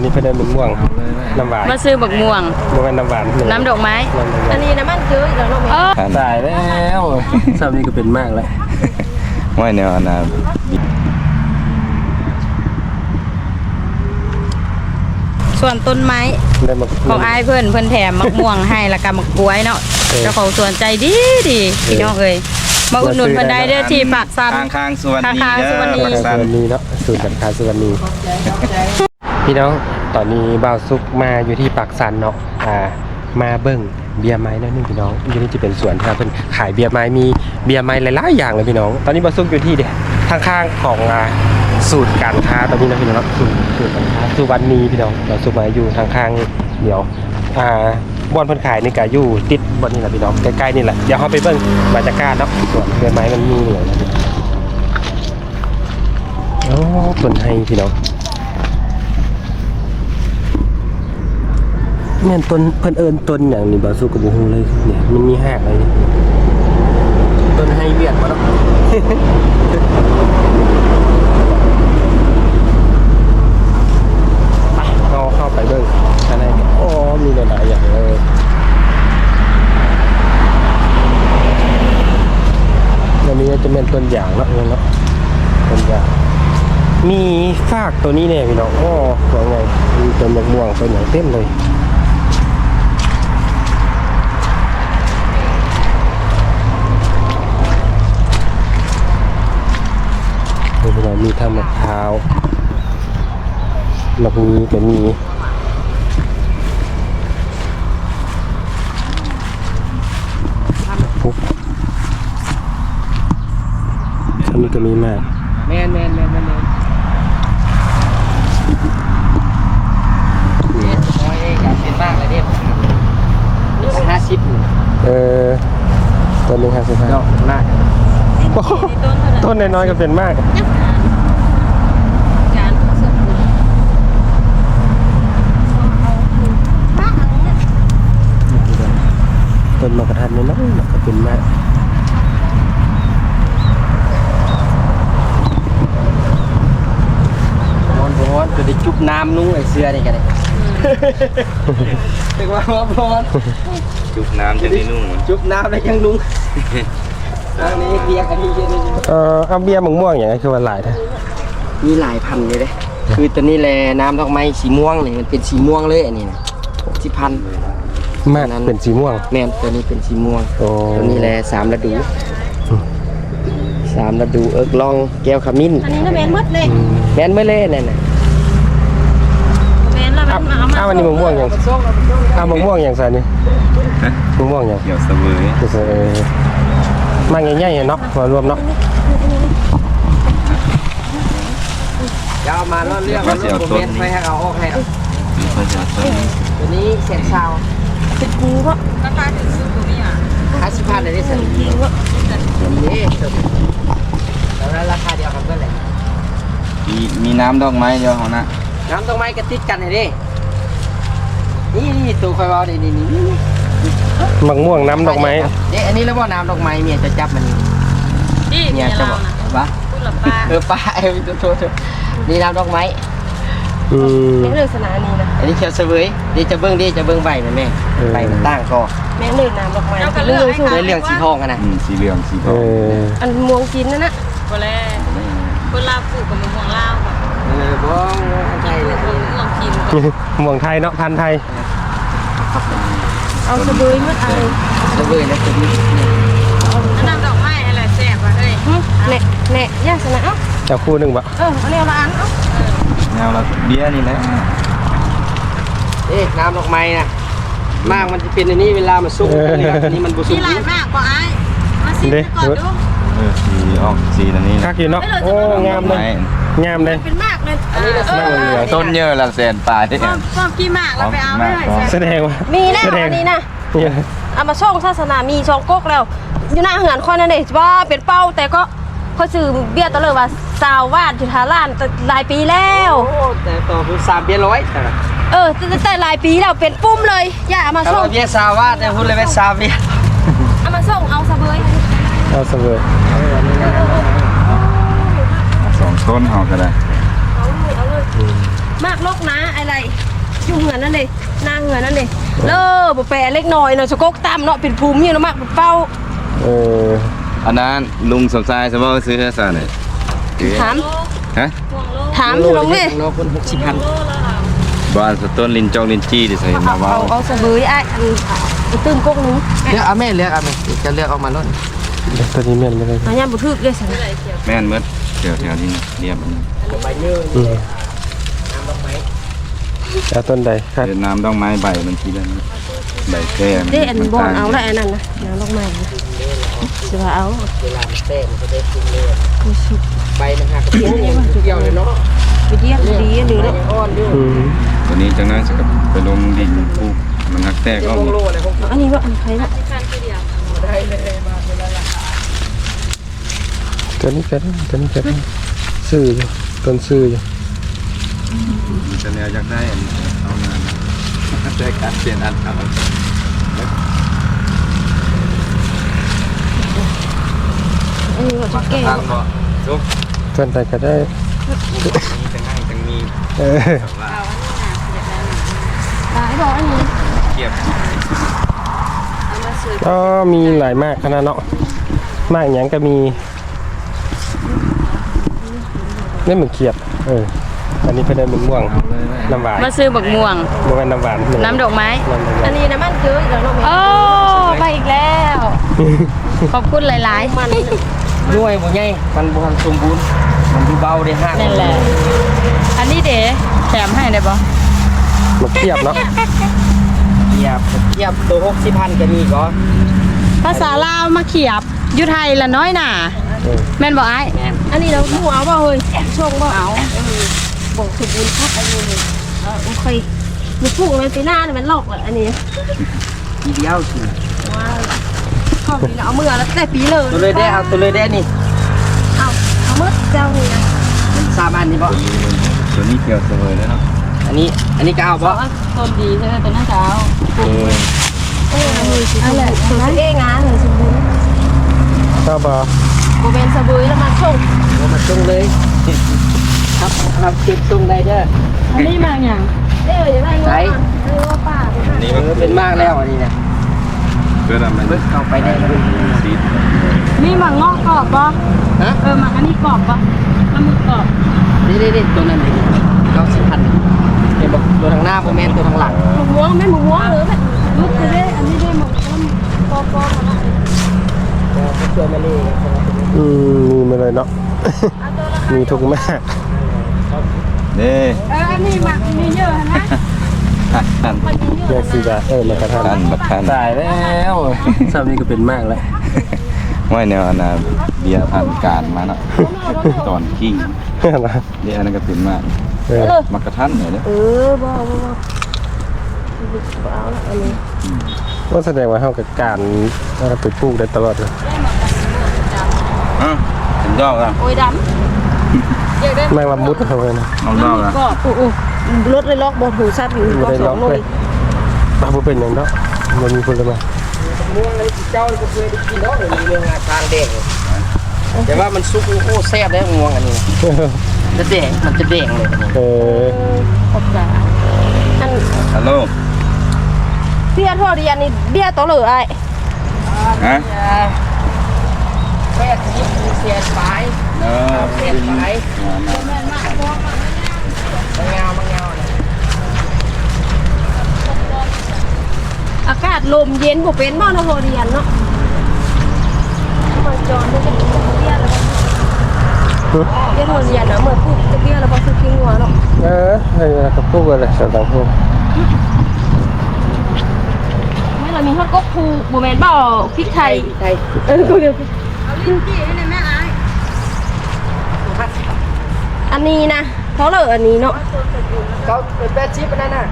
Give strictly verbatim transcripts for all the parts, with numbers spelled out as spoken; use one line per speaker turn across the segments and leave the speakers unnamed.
นี้เพิ่นเดินม่วงน้ำหวาน
มาซื้อบักม่วง
บ่แม่นน้ำหวาน
น้ำดอกไม้
อันนี้น้ำมันซื้ออีกแล้วเนาะ
ตายแล้วซ้ำนี้ก็เป็นมากแล้ว
ไม่แนวนะ
ส่วนต้นไม้ของอ้ายเพิ่นเพิ่นแถมมะม่วงให้แล้วก็มะกล้วยเนาะเจ้าของสวนใจดีดีพี่น้องเอ้ยมาอุดหนุนเพิ่นได้เด้อที่ปากซัน
ข้างๆสวนนี้
ข้างๆสวนนี้
สวนนี้เนาะสูตรการค้าสวนนี้พี่น้องตอนนี้บ่าวซุกมาอยู่ที่ปากซันเนาะอ่ามาเบิ่งเบียร์ไม้แล้วนึงพี่น้องอยู่นี่จะเป็นสวนครับเพิ่นขายเบียร์ไม้มีเบียร์ไม้หลายๆอย่างเลยพี่น้องตอนนี้บ่าวซุกอยู่ที่เด้ข้างๆของอ่าสูตรการค้าตอนนี้นะพี่น้องสูตรสูตรการค้าสุวรรณีพี่น้องบ่าวซุกมาอยู่ข้างๆเดี๋ยวอ่าบ่อนเพิ่นขายนี่ก็อยู่ติดบ่อนนี่แหละพี่น้องใกล้ๆนี่แหละเดี๋ยวเฮาไปเบิ่งบรรยากาศเนาะสวนเบียร์ไม้มันมีเหลือนะโอ้ต้นไฮพี่น้องแม่นต้นเพิ่นเอิ้นต้นหยังนี่บ่สู้กับบ่ฮู้เลยเนี่ยมันมีหากอะไรนี่ต้นไฮเวียดบ่เนาะ ไปเราเข้าไปเบิ่งข้างในโอ้มีหลายๆอย่างเลยอันนี้จะเป็นต้นยางเนาะเนาะต้นยางมีฟากตัวนี้เนี่ยพี่น้องโอ้สวยไงมีต้นมะม่วงต้นอย่างเต็มเลยพี่น้องมีทั้งมะพร้าวมะมีก็มีปุ๊บอันนี้ก็มีมากแมนแมนแมนแมนน้อยเองครับเป็นมากเลยเนี่ยห้าสิบเออต้นหนึ่งห้าสิบห้าต้นมากต้นน้อยๆก็เป็นมากต้นมะกระทันน้อยๆก็เป็นมากร้อนจะได้จุบน้ำนุ่งไอเสื้อนี่กันเลยเป็นว่าร้อน
จุบน้ำจะได้นุ่ง
จุบน้ำแล้วยังนุ่งอันนี้เบียร์กันที่เยอะเลยเออเอาเบียร์มะม่วงอย่างไรคือว่าหลายท่ามีหลายพันเลยเด้คือตัวนี้แหละน้ำดอกไม้สีม่วงนี่มันเป็นสีม่วงเลยอันนี้นะสีพันมากนั้นเป็นสีม่วงแม่นตัวนี้เป็นสีม่วงตัวนี้แหละสามฤดูสามฤดูเอิกลองแก้วขมิ้น
อันนี้น่ะแม่นหมดเลย
แม่นไม่เล่นนั่นน่ะ
แม่นแล้วมันเอามา
อ้าวอันนี้มะม่วงอย่างอ้าวมะม่วงอย่างไรนี่มะม่วงอย่าง
เกี่ยวเสวย
เกี่ยวเสวยมาง่ายๆเนาะมารวมเนาะจะเอามาล่อเรื่องมันโมเมนต์ไม่ให้เอาออกให้เอาตัวนี้เศษซาว
เป็นกูเพราะ
ราคาถึงซื้อตัวนี้อ่ะ
ห้าสิบพันเลยได้สิ
จริงเพราะ
นี่แล้วราคาเดียวกันก็เลย
มีมีน้ำดอกไม้เดียวเขานะ
น้ำดอกไม้กระติดกันเลยดินี่นี่ตัวไฟวาวนี่นี่นี่มะม่วงน้ำดอกไม้เนี่ยอันนี้แล้วว่าน้ำดอกไม้เมียจะจับมัน
นี่เมียจะบอก
วะเออป้าเออโทษโทษนี่น้ำดอกไม้
อืมนี่เรื่องสนามนี้นะ
อันนี้เขียวเสวยดีจะเบิ้งดีจะเบิ้งใบมันแม่ใบมันตั้งคอ
แม่เรื่องน้ำดอกไม้
เรื่องเรื่องสีทองกันนะ
สีเหลืองสีทอง
อันม่วงกินนั่นนะ
ก็แล้วคนลาวปลูกกับม่วงลาว
เออบ้องไทยเลย
ม่วงกิน
ม่วงไทยเนาะพันไทย
เอาสะเบยมันอะไร
สะเบยนะตัวนี้
น้ำดอกไม้อะไรแซ่บว่ะเฮ้ย
เน่เน่ย่าสนะเอ้า
จะคู่หนึ่งบะ
เออเอาแนวละอันเอ้า
แนวละเบี้ยนี่แหละ
เอ๊ะน้ำดอกไม้น่ะมากมันจะเป็นอันนี้เวลามันสุกนี่มันบุสุก
นี่หลายมากกว่าไอ้มาสิก่อนดู
เออสีออกสีอันนี้
คักอยู่เนาะโอ้งามเลยงามเลย
เป็นมากเลย
อันนี้เราสร้างเหลือ
ต้นเยอะละแสนปลายที่
ชอบกี่มากเราไปเอาไม่ได้
แสดงว่า
มีแล้วอันนี้นะเอามาช่องศาสนามีช่องก๊กแล้วอยู่หน้าเหือนคนนั่นเองว่าเป็นเป้าแต่ก็เขาซื้อเบี้ยตะเลยว่าสาววาดจุฬาล้านหลายปีแล้ว
โอ้แต่ต่อคือสามเบี้ยร้อย
เออแต่หลายปีแล้วเป็นปุ้มเลยอย่าเอามาส่ง
เบี้ยสาววาดเนี่ยพูดเลยเป็นสามเบี้ย
เอามาส่งเอาสะเบย
เอาสะเบย
สองต้นเอาก็ได้
เอาเลยเอาเลยมากลกนะอะไรอยู่เหงือนนั่นเลยหน้าเหงือนนั่นเลยเลิกบ่แปรเล็กน้อยเนาะสกกตามเนาะเป็นภูมิอยู่เนาะมากเป็นเป้า
เออ
อันนั้นลุงสมชายสมมติซื้อให้ซะหน่อย
ถาม
ฮะ
ถามลงเลย
โลคนหกสิบพัน
บ้านสต้นลินจองลินจี้ดิใส่มา
เอา
ว่า
เอาเอาสะบือไอ้อันเอาตื้มกกนึง
เลือกเอาแม่เลือกเอาแม่จะเลือกออกมาล้น
ตัวนี้แม่นไม่ได้
อันนี้บ่ทึกเลยสั่น
แม่นเมื่อแถวแถวที่เรียบมัน
อืมเอาต้นใดครับ
เวียดนามต้องไม้ใบมันทีละนิดใบแก้มัน
เด้อันบ่
ต่ง
เอาละอันนั้นนะน้ำลงมาสิว่าเอา
เวลามันเต้มันจะได้กินเลย
บ่สุก
ใบมันหักกระเทียมอย่างเดียวเลยเนาะ
ไปเดียกดีหรือ
ยังอ่อนอยู่
อืม
ตัวนี้จังนั้นจะกับไปลงดินปลูกมันนักแตกออก
โลเลยผม
อันนี้ว่าอันใครละ
ได้เลยมาเป็นไรล่ะ
ตัวนี้ก็ได้ตัวนี้ก็ได้ซื้ออยู่ต้นซื้ออยู่
มันจะแนวอยากได้อันนี้เอางานได้การเปลี่ยนอันเอา
อันนี้ว่าจะแก้
ทางบ่ทุก
ต้นใดก็ได้
นี้จังง่ายจังมี
เออ
แต่ว่า
หลายบอกอันนี้
เกียบ
ก็มีหลายมากขนาดเนาะมากอย่างก็มีนี่เหมือนเขียบเอออันนี้เป็นเหมือนม่วงน้ำหวาน
มาซื้อบักม่วง
ม่วงน้ำหวาน
น้ำดอกไม้
น้ำดอก
อั
ไม้
นนี้นะมันเจออีกแล้วเนาะ
โอ้ไปอีกแล้ว ขอบคุณหลายๆ
มัน
หน่วยบ่ใหญ่มันบ่ทันสมบูรณ์มันดูเบาได้หัก
นั่นแหละ อันนี้เด๋แถมให้ได้ปะ
มาเขียบเนาะ
เทียบเทียบตัวหกสิบพันก็มีก็
ภาษาลาวมาเขียบอยู่ไทยละน้อยหน่า
เออ
แม่นบอกไอ้
แม่น
อันนี้เราหมูเอาบ่เฮ้ยชงบ่เอาบอกสมบูรณ์ครับอันนี้เลยเออโอเคมีปลูกเลยปีหน้าเนี่ยมันหลอกอ่ะอันนี้
ทีเดียวสิ
ว้าวข้อนี้เอามือแล้วแต่ปีเลย
ตัวเลยได้เอาตัวเลยได้นี่
เอาเอามือเจ้านี่นะ
สามอันนี่บ่
ตัวนี้เกี่ยวเสมอแล้วเนาะ
อันนี้อันนี้ก็เอาบ่
ต้นดีใช่ไหมต้นน่าจะเอา
เอออันแหละตัวเองนะเลยสมบูรณ์
ก็บอ
โบเป็นสบู่แล้วมาชง
บ่มาตรงเลยครับเราเก็บตรงได้เด้อ
อันนี้มาอย่าง
เอ้ยอย่างไรเนาะเออว่าป้า
นี่
เอ
มัน
อเป็นมากแล้วอันนี้นะ
เพื่อทำมัน
เบิดเข้าไปได้แล้ว
ซีด
มีหมังงอกกรอบปะ
ฮะ
เออหมังอันนี้กรอบปะมันมึกกรอบ
นี่นี่นี่ตัวนั้นนี่เก้าสิบพันเห็นบอกตัวทางหน้าโมเมนตัวทางหลัง
หมูม้วงไม่หมูม้วงหรือแบบลูกจะได้อันนี้ได้หมดปอปอมา
เชื่อมาเลย
อืมมีมาเลยเนาะ มีทุกมาก
เด้
เอออันนี้หมักมีเยอะนะ
ท่าน
แยกสีดาเออมากระทัน
ท่านบัดท่าน
ตายแล้วซ้ำนี่ก็เป็นมากแล้ว
ว่าแนวอันน่ะเบียร์ผ่านการมาเนาะตอนกิ้ง
นะ
เดี๋ยวอันนั้นก็เป็นมาก
เออ
มักกะทันเนี่ยเด้อ
เออบ่บ่บ่บ่เอาละอันนี้
ว่าแสดงว่าเขากับการเอาไปปลูกได้ตลอดเลย
อ่ะเป็นดอกอ่ะ
โอ้ยดำ
แมงละมุดเขาเลยนะ
เอาดอกอ่ะ
ก็โอ้โหรถเลยล็อกบอถูซับอยู่
ไม่
ก็
ได้
ส
ล็
อ
อง ก
หน่
เล
วย
ยปลาบุเป็นอย่างเนาะมันมีคนละมา
ม่วงเลยเจ้าก็เคยได้กินเนาะมีเรื่องงาทางแดงแต่ว่ามันซุกโอ้แซ่บได้ม่วงอันนี้จะแดงมันจะแดงเลย
เออ
ขอบใจอัน
ฮัลโหล
เบี้ยทอดเรียนนี่เบี้ยต่อเลยไอ้
ฮะ
แม่ทิพย์เสียสาย
เออ
เสียสายมังงามังงา
อากาศลมเย็นบ่เป็นบ่เนาะพอเรียนเนาะมันจอนได้จะเบี้ยแล้วเบี้ยทอดเรียนนะเหมือนปลูกจะเบี้ยแล้วบ่คือกิ้งหัวเนาะ
เออให้เวลากับปลูกอะไรสักต่างพวก
ไม่เรามีฮอดกกภูบ่แม่นบ่พริกไทย
ไทย
เออกูเดี๋ยว
เอาลิ้นจี้ให้ในแม่ไอ้
อันนี้นะเขาเลยอันนี้เนาะ
เขาเป็นแปดชิปนั่นน่ะ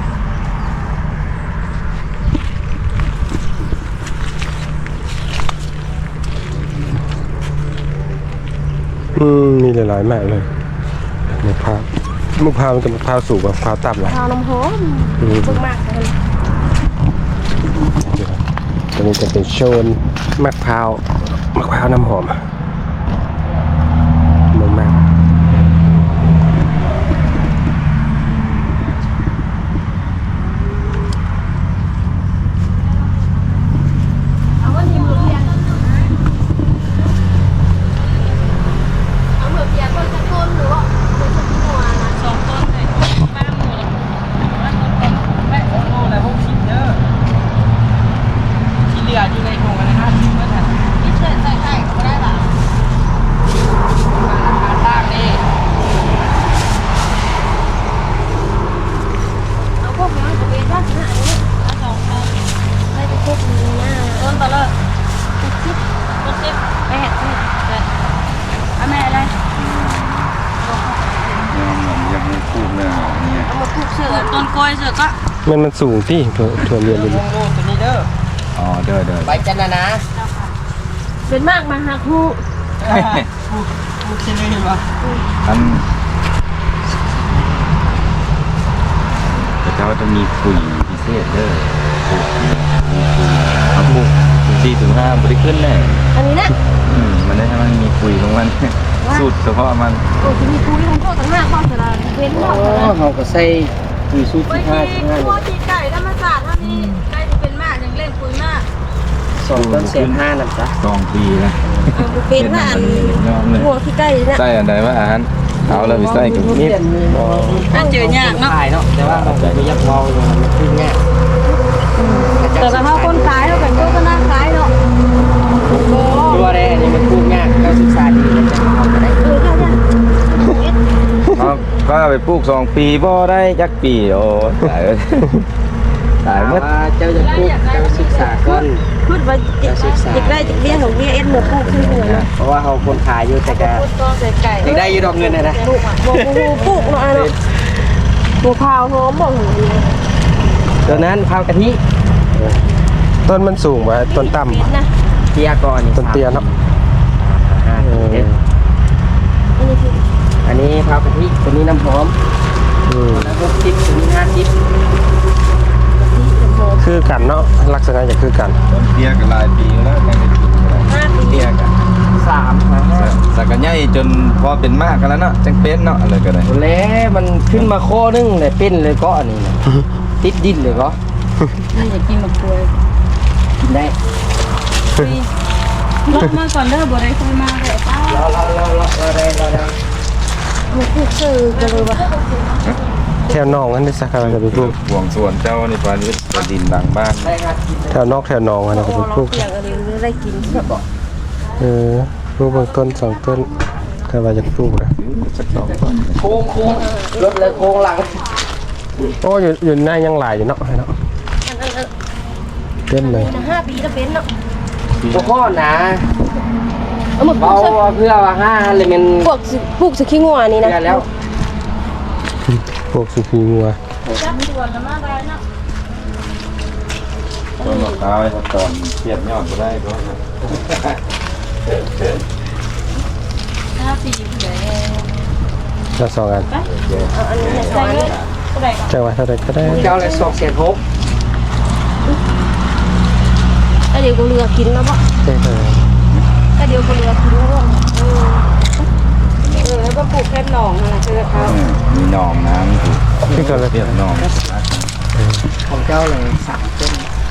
อืมมีหลายๆมากเลยมะพร้าวมะพร้าวมันกับมะพร้าวสูงกว่ามะพร้าวต่ำเลย
ข้าวน้ำหอม
อืม
เบิ่งมากเลย
ตัวนี้จะเป็นโซนมะพร้าวมะพร้าวน้ำหอมมากมาก
สือต้นกล้วยเสือก็
มันมันสูงที่ถั่วถั่วเรียนเลย
โง่ตัวนี้เด้อ
อ๋อเด้อเด้อ
ใบจันนะนะ
เป็นมากมาหักฮู
พูดเช่นนี้เห็นปะ
อันแต่เจ้าจะมีคุยพิเศษเด้อเอาปลูกสี่ถึงห้าบริขึ้นแน่
อันนี้นะ
อืมมันได้ให้มันมีคุยของมันสูตรเฉพาะมัน
โอ้จะมีคุยของโทษต่างหากความสลาดเว้น
อ๋
เนาะ
อเขาก็ใส่ปุ๋ยสูตร
ไว้
ที่ห้า
ที่
ที่ห้า
พวกที่ไก่ธรรมศาสตร์เท่านี้ไก่ที่เป็นมากยังเล่นปุ๋ยมาก
สองต้นเศษห้านั่นจ้ะ
สองปีนะ
เป็นว่าอัน
ยอมเลย
หัวที่ใกล้เนี่ย
ใส่อันใดว่าอาหารเอาแล้วไปใส่กับ
มี
นี่
เด่นมี
ถ้าเจอยากเนาะ
ขายเนาะแต่ว่าเราไม่ยักเบาอยู่มันขึ้นง่าย
แต่ถ้าเขาคนขายเขาเป็นโฆษณาขายเนาะโอ้
ตัวแรกนี่มันพูดง่ายเราศึกษาดีมันจะเอาไปได้
เออใช่ใช่
ครับก็ไปปลูกสองปีบ่ได้จักปีโอ้ตายเลยตายหมด
ว่าเจ้าจะพูดเจ้าศึกษาก่อน
พูดว่าจิกได้จิกเลี้ยงของเลี้ยงเอ็นหมดพูดขึ้นเหนือเนาะ
เพราะว่าเขาคนขายอยู่แต่ก็
ต้นใส่ไก่
อยากได้อยู่ดอกเงินนะนะ
ปลูกปลูกปลูกเนาะเนาะปลูกข้าวหอมบ่หง
ตัวนั้นข้าวกะทิ
ต้นมันสูงกว่าต้นต่ำ
นะ
เทียก่อน
ต้นเตี้ยเนาะ
ห้าเจ็ด
อันนี้คือ
อันนี้ข้าวกะทิตัวนี้น้ำหอม
อืม
แล้วหกสิบตัวนี้ห้าสิบ
คือกันเนาะลักษณะจะคือกัน
ต้นเตี้ยก็หลายปีแล้วยังได้กินเลย
ห้าปี
เตี้ยกัน
สามห้าห้า
สักกันใหญ่จนพอเป็นมากกันแล้วเนาะจังเป็นเนาะอะไรก็ได้
ตัวเล็มันขึ้นมาโค้นึงเลยเป็นเลยก็อันนี้นะติดดินเลยก็
นี่อยากกินมะกล้วย
กินได้
รถมาก่อนเด้อบ่ได้ค่อยมาเลยป้า
เราเราเราเราเราได้เราได้
ปลูกซื้อกันเลยว่ะ
แถวนอกอันนี้สักการจะไปปลูก
ห่วงส่วนเจ้านี่ปานี้ก็ดินหลังบ้าน
ได้ครับ
แถวนอกแถวนองอันนี้ก็ไปปลูก
เปียกอะไรได้กินแบบบอก
เออปลูกบางต้นสองต้นก็ว่าจะปลูกนะ
สักสองต้น
โค้งโค้งรถเลยโค้งหลัง
โอ้อยู่อยู่หน้ายังหลายอยู่เนาะให้เนาะ
อันอันอัน
เต็มเลย
ห้าปีแล้วเป็นเนาะ
ตัวข้อนะ
เอามาปลู
เบาก
สัก
เพื่อว่าห้าเลยมัน
ปลูกสิปลูกสักขี้งัวนี่นะ
เพื่อแล้ว
พวกสุขีงัว
จับส่วนละมาได้เนาะ
ต้นมะพร้าวให้ตอนเทียบยอดก็ได้ก็
ห้าปีผู้ใด
ละสองอัน
เอาอันนี้ใส่เลย
ผู้ใดก็
จังหวะเท่าไรก็ได้
เจ้าเลยสองเศษหก
ก็เดี๋ยวก็เรือกินแล้วบ่
เท่าไร
ก็เดี๋ยวก็เรือกินแล้วบ่เออ
เออก็ปลูกแค่หนองนั่นแหละเจอเขา
มีหนองน้ำถูก
พี่ก็เลย
เทียบหนอง
ของเจ้าเลยสามต้น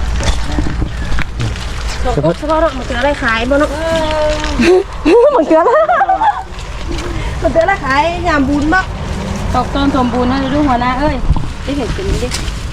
สองกุ๊กเฉพาะเนาะมันเจออะไรขายบ่เนาะมันเจออะไรมันเจออะไรขายยามบุญบ่
ตกต้นสมบูรณ์นะดูหัวหน้าเอ้ยได้เห็นเป็นดิ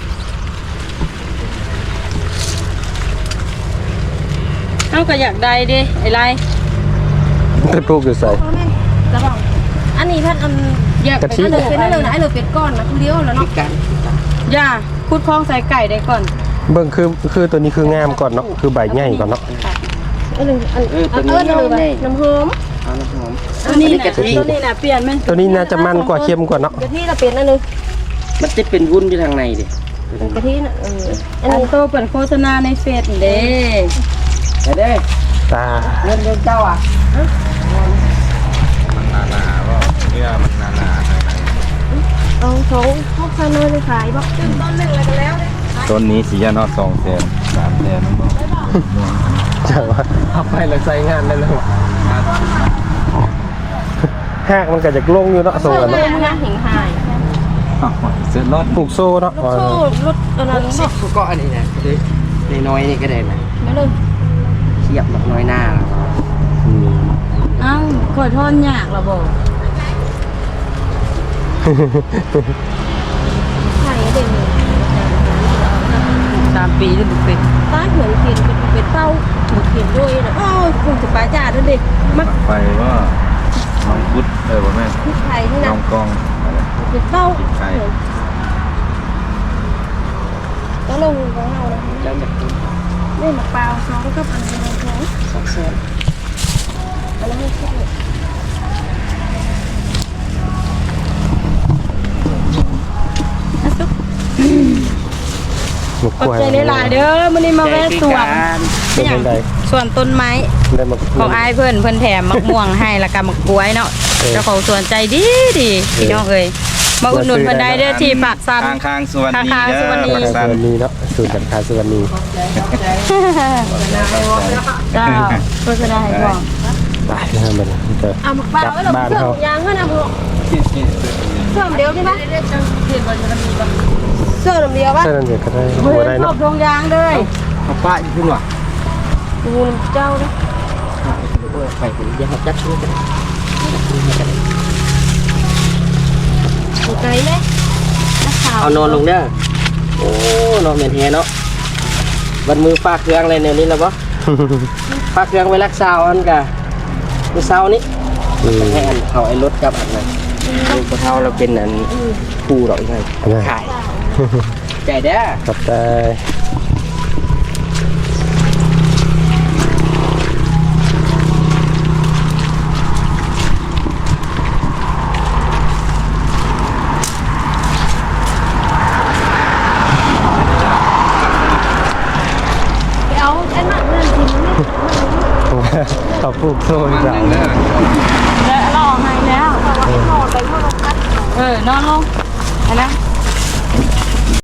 เอ้าก็อยากได้ดิไอ้ไร
ไปปลูกอยู่ใส่
พ่อแม่แล้วบ่อันนี้ท่านอัน
อยาก
กะทิ
อันเลยเป็นอันเลยนะอันเลยเป็นก้อนนะคือเดียวแล้ว
พิ
เนาะ
การ
อย่าพูดคล้องใส่ไก่ได้ก่อน
เบิ่งคือคือตัวนี้คืองามก่อนเนาะคือใบใหญ่ก่อนเนาะ
อันนึงอัน
เออ
อั
ตัวน นี้
เอิ้นเลย
นี่
น้ำหอม
เอาน้ำหอม
ตัวนี้
อั
นะ
กะทิ
ตัวนี้นะเปลี่ยนมัน
ตัวนี้น่าจะมันกว่าเข้มกว่าเนาะ
กะทิเราเป็นอันนึง
มันจะเป็นวุ้นอยู่ทางในดิ
กะทิน่ะเอออั
อั
น
น
นี้
โตเปิดโฆษณาในเฟซเด้
เดี๋ยวเด้
ตา
เงินเดือนเจ้าอ่ะ
มันหนาหนาๆว่าเนื้อมันหนาหนาๆข้างใน
เอาสองพวกซาโน่ไปขายบ่ต้นหนึ่งแล้วก็แล้ว
ต้นนี้สียานอดสองแสนสามแสนน้องบอก
จังหวะเอาไปแล้วใส่งานได้เลยวะหากมันก็จะลงอยู่เนาะส่งกัน
เล
เนาะ
ยนะหิงหาย
เสื้อรถ
ปลูกโซ่เนาะ
รถโซ่รถอันนั้น
สิ
บ่
บก็อันนี้นะในน้อยนี่ก็ได้นะ
ไม่เลย
เทียบกับน้อยหน้า
อืม
เอ้าขอทอนยากละบ่
ขายเด่น
สามปีแล้วบุกเป็น
ตาเหือนเขียนเป็นเป็นเต้าถูกเขียนด้วยนะอ้าวคงจะปลาจ่าด้วยเด็กมัก
ไฟว่าน้องพุทธเออว่าแม่
ที่ไทยนี่
น้
นะ
องกองอะไร
เป็นเต้า
ใช่
ก็ลงของเรานะ
เจ้าอยากกิน
นี่มะพร้าวสองกับอันนี้สอง
สองแสน
อันนั้นไม่ใช่อ่ะซุป
หมก
ขอบ
กล้วย
ใจหลายๆเด้อมื้อนี้มาแวะสวน
เป็นจังได
สวนต้นไม้
ได้หมก
ของอายเพิ่นเพิ่นแถมมะม่วงให้แล้วก็มะกล้วยเนาะ
เออ
เจ้าของสวนใจดีดีพี่น้องเอ้ยมาอุดหนุนเพิ่นได้เด้อที่ปากซัน
ข้างข้างๆสวนนี้
ข้างๆ
เด้
สวนนี้
อ
ปาก
ปาก
ส
สัน
วนนี้เนาะศูนย์การค้าสวนนี้
เจ้าโฆษณาให้บอก
ไปนะครับมันก็
เอาหมักเปล่าไว้เรา
บ้าน
เสื่อ
เขา
มยางเงินเอาพวกเสื่อมเดียวใช่ไหมเสื่อมเดียวปะ
ใช่นั่นเด็กก็ได้
เฮ้
บ่
ย
ได้
คร
เนาะ
บทงยางเลย
เอาป้าอยู่พุ่นว่ะ
ดูเจ้าเด้อ
โอ้ยไปถึงยังจัดช่วยกัน
ถูกใจไหมนักข่าว
เอานอนลงเด้อโอ้นอนเหม็นเฮเนาะวันมือฝากเครื่องอะไรแนวนี้แล้วบ่ฝากเครื่องไว้รักษาอันกะมื้อเช้านี้
อืม
ให้อันเขาไอ้รถกับอันนั้นลูกกระเท้าเราเป็นอันผู้ดอกยังไงขายใจเด้อ
ขอบใจ
ไปเอาไอ้หนักเงินทิ้งนี่
ขอบปลูกโซ่ดีกว่า
แล้วรอให้แล้ว
เอาไว้ให้นอนไปเพื่อลงพัด
เออนอนลงไปนะ